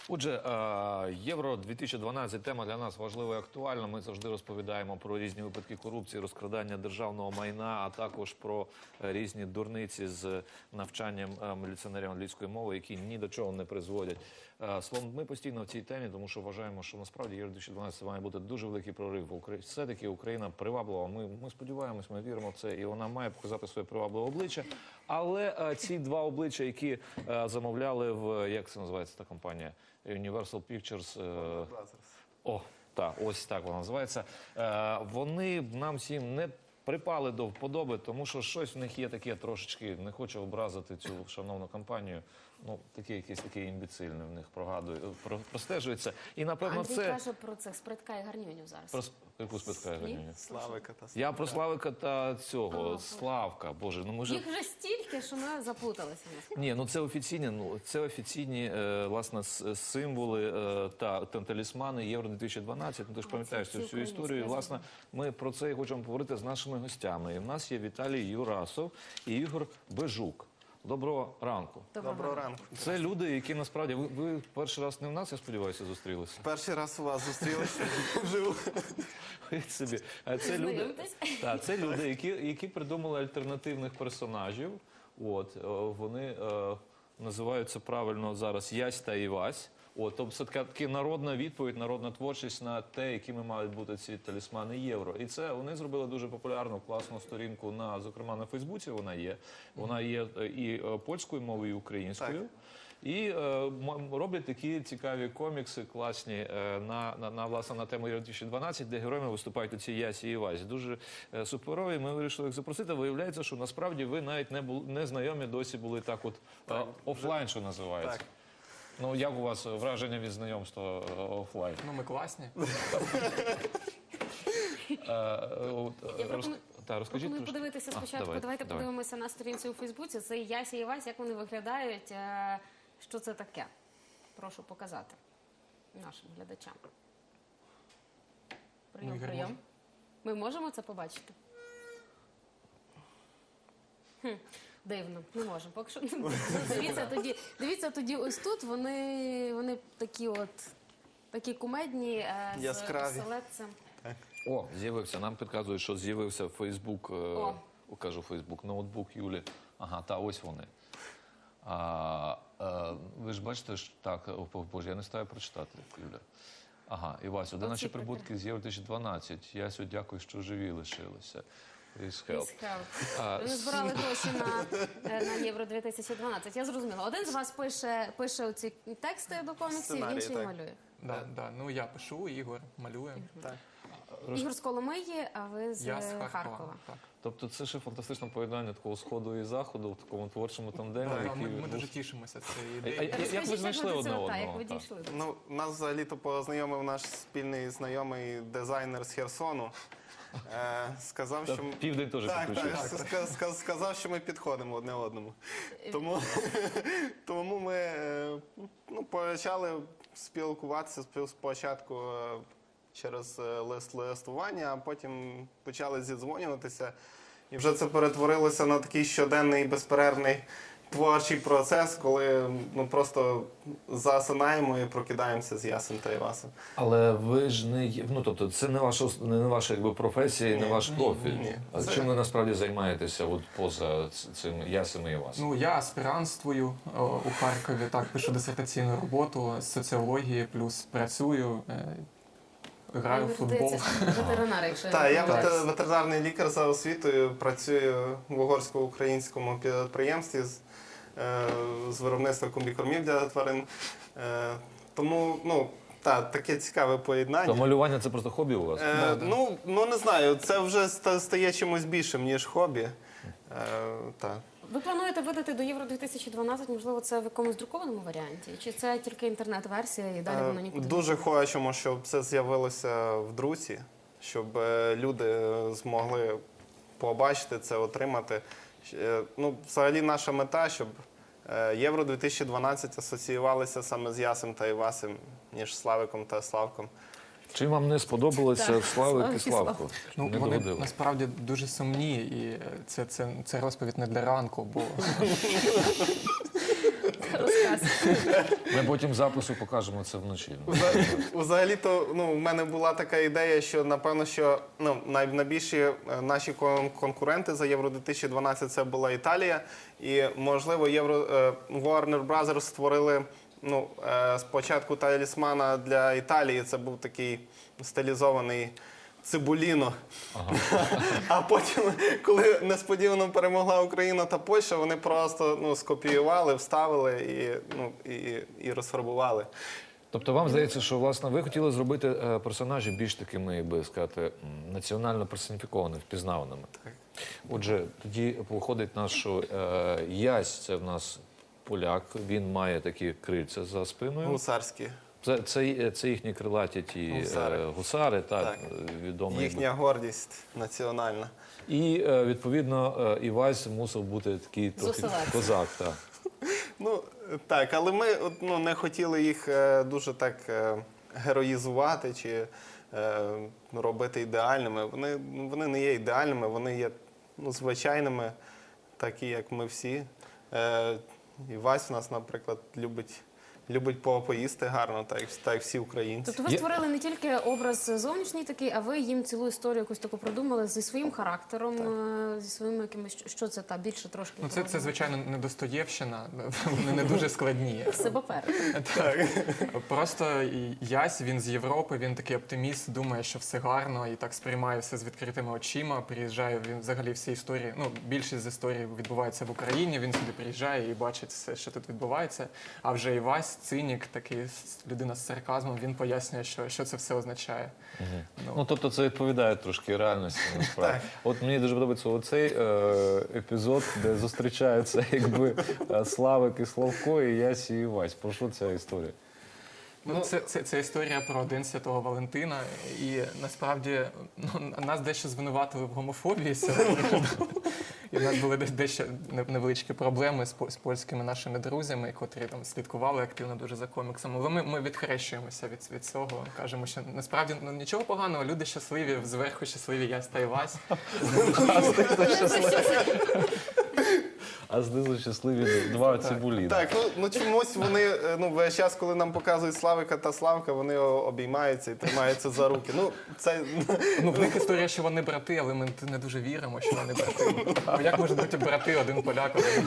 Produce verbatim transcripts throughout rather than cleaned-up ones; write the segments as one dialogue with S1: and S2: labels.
S1: Отже, Євро дві тисячі дванадцять – тема для нас важлива і актуальна. Ми завжди розповідаємо про різні випадки корупції, розкрадання державного майна, а також про різні дурниці з навчанням міліціонерів англійської мови, які ні до чого не призводять. Словом, ми постійно в цій темі, тому що вважаємо, що насправді Євро дві тисячі дванадцять має бути дуже великий прорив. Все-таки Україна приваблива. Ми, ми сподіваємось, ми віримо в це, і вона має показати своє привабливе обличчя. Але ці два обличчя, які замовляли в, як це називається та компанія? Universal Pictures. Е... О, так, ось так вона називається. Е, вони нам всім не припали до вподоби, тому що щось в них є таке трошечки, не хочу образити цю шановну компанію, ну, таке якесь таке імбецильне в них прогадує, про, простежується. І, напевно,
S2: Андрій
S1: це...
S2: каже про цих спритка і гарньонів зараз.
S1: Про яку спитка і гарньонів?
S3: Славика та
S1: Я про Славика та цього,
S2: а,
S1: Славка, боже, ну ми ж...
S2: Їх вже стільки, що ми заплуталися.
S1: Ні, ну це офіційні, ну це офіційні, е, власне, символи е, та, та талісмани Євро дві тисячі дванадцять. Ну, ти ж пам'ятаєш цю всю історію. І, власне, ми про це і хочемо поговорити з нашими гостями. І в нас є Віталій Юрасов і Ігор Бежук. Доброго ранку.
S2: Доброго,
S3: Доброго ранку.
S1: Це люди, які насправді... Ви, ви перший раз не в нас, я сподіваюся, зустрілися?
S3: Перший раз у вас зустрілися вживу.
S1: Собі. Це люди, та, це люди, які, які придумали альтернативних персонажів. От, вони е, називаються правильно зараз Ясь та Івась. От, тобто це така, така народна відповідь, народна творчість на те, якими мають бути ці талісмани Євро. І це вони зробили дуже популярну, класну сторінку, на, зокрема на Фейсбуці вона є. Вона є і польською мовою, і українською. Так. І е, роблять такі цікаві комікси, класні, е, на, на, на, власне, на тему Євро дві тисячі дванадцять, де героями виступають ці Ясі і Івасі. Дуже е, суперові. Ми вирішили їх запросити. Виявляється, що насправді ви навіть не, були, не знайомі досі були так от е, офлайн, що називається. Так. Ну, як у вас враження від знайомства офлайн?
S4: Ну, ми класні.
S2: Пропоную подивитися спочатку. Давайте подивимося на сторінці у Фейсбуці. Це Ясі і Івась, як вони виглядають, що це таке. Прошу показати нашим глядачам. Прийом, прийом. Ми можемо це побачити? Хм. Дивно, не можемо. Поки що не можемо. Дивіться тоді, дивіться тоді ось тут, вони, вони такі от, такі кумедні, е, з оселедцем.
S1: О, з'явився, нам підказують, що з'явився Фейсбук, е, кажу Фейсбук, ноутбук Юлі. Ага, та ось вони. А, е, ви ж бачите, що так, о, боже, я не стаю прочитати, Юля. Ага, Івасю, де наші прибутки з Євро дві тисячі дванадцять? Ясю, дякую, що живі лишилися. Please help.
S2: Please help. Ви збирали гроші на, на Євро дві тисячі дванадцять. Я зрозуміла. Один з вас пише, пише оці тексти до коміксів,
S3: Сценарії,
S2: інший
S3: так.
S2: малює.
S4: Да, да. Ну, я пишу, Ігор малює.
S3: Так.
S2: Ігор з Коломиї, а ви з,
S4: Я з
S2: Харкова.
S4: Харкова. Так.
S1: Тобто це ще фантастичне поєднання такого сходу і заходу в такому творчому тандемі.
S4: Да,
S1: який...
S4: ми, ми дуже тішимося цією
S1: А,
S4: ідеєю.
S1: а, як ви знайшли одне одного?
S2: Як ви дійшли?
S3: Ну, нас взагалі-то познайомив наш спільний знайомий дизайнер з Херсону. Е, сказав, що...
S1: Південь теж
S3: так,
S1: підключився.
S3: так, ска- сказав, що ми підходимо одне одному. Тому, тому ми е, ну, почали спілкуватися спочатку е, через е, лист листування, а потім почали зідзвонюватися. І вже це перетворилося на такий щоденний безперервний творчий процес, коли ну, просто засинаємо і прокидаємося з Ясем та Івасом.
S1: Але ви ж не є, ну тобто це не ваша, не ваша якби, професія, не ваш профіль.
S3: ні.
S1: А
S3: Це-
S1: чим ви насправді займаєтеся от, поза цим Ясем і Івасом?
S4: Ну, я аспірантствую о, у Харкові, так, пишу дисертаційну роботу з соціології, плюс працюю, е, граю в футбол.
S2: Ветеринар, якщо я
S3: Так,
S2: не
S3: я
S2: помиляюсь.
S3: вете- ветеринарний лікар за освітою, працюю в угорсько-українському підприємстві з, е, з виробництва комбікормів для тварин. Е, тому, ну, так, таке цікаве
S1: То
S3: поєднання.
S1: малювання це просто хобі у вас?
S3: Е, ну, ну, не знаю, це вже ста- стає чимось більшим, ніж хобі. Е, так.
S2: Ви плануєте видати до Євро дві тисячі дванадцять, можливо, це в якомусь друкованому варіанті? Чи це тільки інтернет-версія і далі воно
S3: Е,
S2: нікуди?
S3: Дуже хочемо, щоб це з'явилося в друці, щоб е, люди змогли побачити це, отримати. Е, Ну, взагалі наша мета, щоб е, Євро дві тисячі дванадцять асоціювалися саме з Ясем та Івасем, ніж Славиком та Славком.
S1: Чим вам не сподобалося
S2: Так,
S1: Славик
S2: Славик
S1: і
S2: і
S1: Славко?
S4: Ну,
S1: Не
S4: вони
S1: догодили?
S4: насправді дуже сумні, і це, це, це розповідь не для ранку, бо
S2: Розказуй.
S1: Ми потім запису покажемо це вночі.
S3: Взагалі-то ну, в мене була така ідея, що напевно, що ну, най- найбільші е, наші кон- конкуренти за Євро дві тисячі дванадцять це була Італія. І, можливо, Євро, е, Warner Brothers створили ну, е, спочатку талісмана для Італії. Це був такий стилізований Цибуліно. А потім, коли несподівано перемогла Україна та Польща, вони просто ну, скопіювали, вставили і, ну, і, і розфарбували.
S1: Тобто вам здається, що власне ви хотіли зробити е, персонажі більш такими, як би сказати, м, національно персоніфікованими, впізнаваними.
S3: Так.
S1: Отже, тоді виходить наш, що е, Ясь це в нас поляк, він має такі крильця за спиною.
S3: Гусарські.
S1: Це, це, це їхні крилаті ті
S3: Гусари.
S1: е, гусари, так,
S3: Так.
S1: відомі.
S3: Їхня гордість національна.
S1: І е, відповідно е, Івась мусив бути такий трохи
S2: Зосилець.
S1: козак. Так.
S3: Ну, так, але ми от, ну, не хотіли їх е, дуже так е, героїзувати чи е, робити ідеальними. Вони, ну, вони не є ідеальними, вони є ну, звичайними, такі, як ми всі. Е, і Вась у нас, наприклад, любить, любить по- поїсти гарно, так, як- так як всі українці.
S2: Тобто ви
S1: Є-
S2: створили не тільки образ зовнішній такий, а ви їм цілу історію якусь таку продумали зі своїм характером, е, зі своїми якимись, що це та більше трошки.
S4: Ну, це, це, звичайно, не Достоєвщина, вони не дуже складні.
S2: себе перед.
S3: Так.
S4: Просто і Ясь, він з Європи, він такий оптиміст, думає, що все гарно і так сприймає все з відкритими очима. Приїжджає, він взагалі всі історії, ну, більшість з історій відбувається в Україні, він сюди приїжджає і бачить все, що тут відбувається. А вже Івась, цинік, такий с- людина з сарказмом, він пояснює, що, що це все означає. Ну,
S1: Ну, тобто це відповідає трошки реальності, насправді. От мені дуже подобається оцей е, епізод, де зустрічаються якби е, Славик і Славко, і Ясі і Івась. Про що ця історія?
S4: Ну, це, це, це історія про День Святого Валентина, і насправді ну, нас дещо звинуватили в гомофобії сьогодні. І в нас були де- дещо не- невеличкі проблеми з, по- з польськими нашими друзями, котрі там слідкували активно дуже за коміксами. Але ми, ми відхрещуємося від, від цього, кажемо, що насправді ну, нічого поганого, люди щасливі, зверху щасливі Ясь та Івась.
S1: А знизу щасливі два цибулі.
S3: Так, ну, ну чомусь вони е, ну, весь час, коли нам показують Славика та Славка, вони о- обіймаються і тримаються за руки. Ну, це
S4: Ну, в них історія, що вони брати, але ми не дуже віримо, що вони брати. Ну, як можуть бути брати, один поляк, один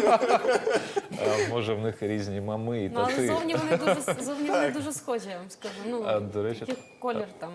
S1: А може в них різні мами і
S2: Ну, але
S1: тати.
S2: зовні вони дуже зовні вони дуже схожі, я вам скажу. Ну,
S1: А, до речі,
S2: який колір там.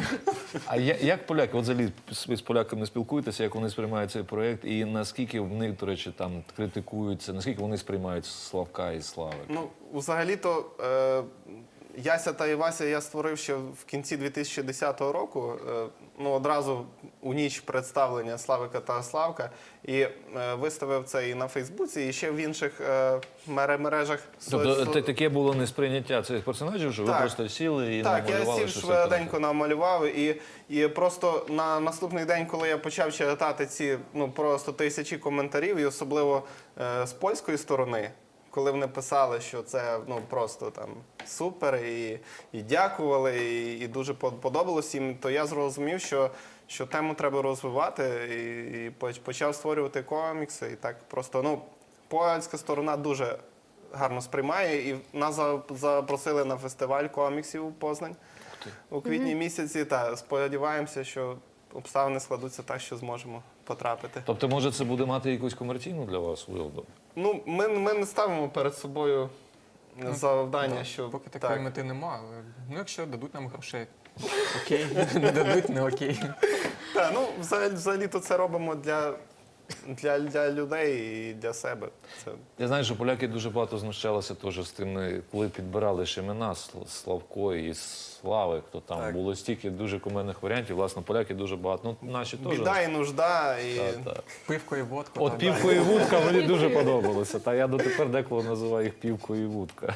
S1: А я- як поляки, от взагалі ви з поляками спілкуєтеся, як вони сприймають цей проєкт, і наскільки в них, до речі, там критикуються, наскільки вони сприймають Славка і Слави?
S3: ну, взагалі-то е, Яся та Івася я створив ще в кінці дві тисячі десятого року. Е, ну, одразу у ніч представлення Славика та Славка. І е, виставив це і на Фейсбуці, і ще в інших е, мере- мережах.
S1: Тобто
S3: со-
S1: та- таке було несприйняття цих персонажів, що ви
S3: Так.
S1: просто сіли і
S3: Так, я
S1: намалювали,
S3: сів
S1: що це
S3: швиденько
S1: так.
S3: намалював, і, і просто на наступний день, коли я почав читати ці ну просто тисячі коментарів, і особливо е, з польської сторони, коли вони писали, що це ну просто там супер, і, і дякували, і, і дуже по- подобалось їм, то я зрозумів, що, що тему треба розвивати, і, і поч- почав створювати комікси. І так просто ну польська сторона дуже гарно сприймає, і нас за- запросили на фестиваль коміксів у Познань у квітні місяці. Та сподіваємося, що обставини складуться так, що зможемо потрапити.
S1: Тобто, може, це буде мати якусь комерційну для вас вигоду?
S3: Ну, ми, ми не ставимо перед собою завдання, що
S4: Поки такої
S3: так.
S4: мети нема, але ну, якщо дадуть нам грошей, окей, не дадуть, не окей.
S3: Та, ну, взагалі, взагалі-то це робимо для, для, для людей і для себе. Це
S1: Я знаю, що поляки дуже багато знущалися теж з тими, коли підбирали ж імена Сл- Славко і Слави, хто там
S3: Так.
S1: було стільки дуже кумедних варіантів. Власне, поляки дуже багато. Ну, наші теж.
S3: біда і нужда. І...
S1: Так, так.
S4: Пивко і водку.
S1: От
S4: так.
S1: півко і вудка мені дуже подобалося. Та я дотепер деколи називаю їх півко і вудка.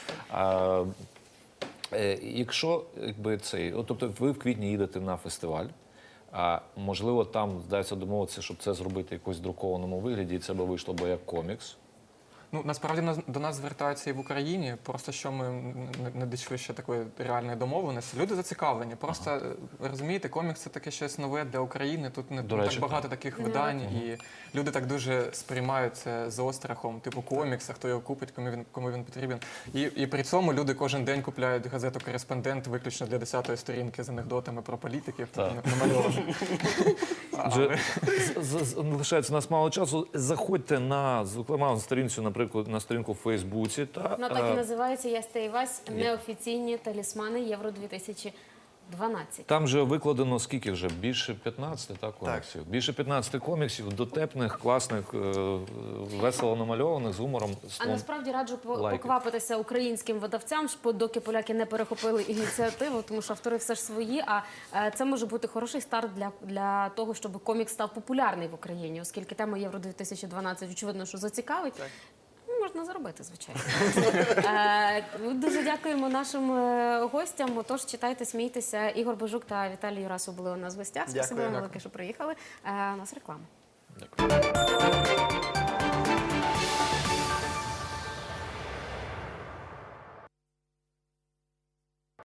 S1: А, е, якщо якби цей, от, тобто ви в квітні їдете на фестиваль, а можливо там вдається домовитися, щоб це зробити в якось друкованому вигляді, і це би вийшло би як комікс.
S4: Ну, насправді нас- до нас звертаються і в Україні, просто що ми не, не дійшли ще такої реальної домовленості. Люди зацікавлені. Просто е, ви розумієте, комікс це таке щось нове для України. Тут не
S1: До
S4: не
S1: речі,
S4: так багато таких видань, і люди так дуже сприймають це з острахом, типу комікс, а хто його купить, кому він кому він потрібен. І, і при цьому люди кожен день купляють газету «Кореспондент» виключно для десятої сторінки з анекдотами про політиків,
S1: Так.
S4: намальованих.
S1: Отже, з- з- лишається у нас мало часу. Заходьте на, зокрема, на сторінцю, наприклад, на сторінку в Фейсбуці. Та,
S2: Вона так і
S1: е,
S2: називається «Яся і Вась. Неофіційні талісмани Євро дві тисячі дванадцять».
S1: Там же викладено скільки вже? Більше п'ятнадцяти так, коміксів. Більше п'ятнадцяти коміксів, дотепних, класних, е, весело намальованих, з гумором.
S2: А
S1: словом.
S2: насправді раджу по-
S1: лайки.
S2: поквапитися українським видавцям, ж доки поляки не перехопили ініціативу, тому що автори все ж свої. А е, це може бути хороший старт для, для того, щоб комікс став популярний в Україні, оскільки тема Євро дві тисячі дванадцять, очевидно, що зацікавить. Ну, можна заробити, звичайно. Е, ми Дуже дякуємо нашим е, гостям. Отож, читайте, смійтеся. Ігор Божук та Віталій Юрасов були у нас в гостях. Спасибо
S3: Дякую.
S2: вам велике, що приїхали. Е, У нас реклама.
S1: Дякую.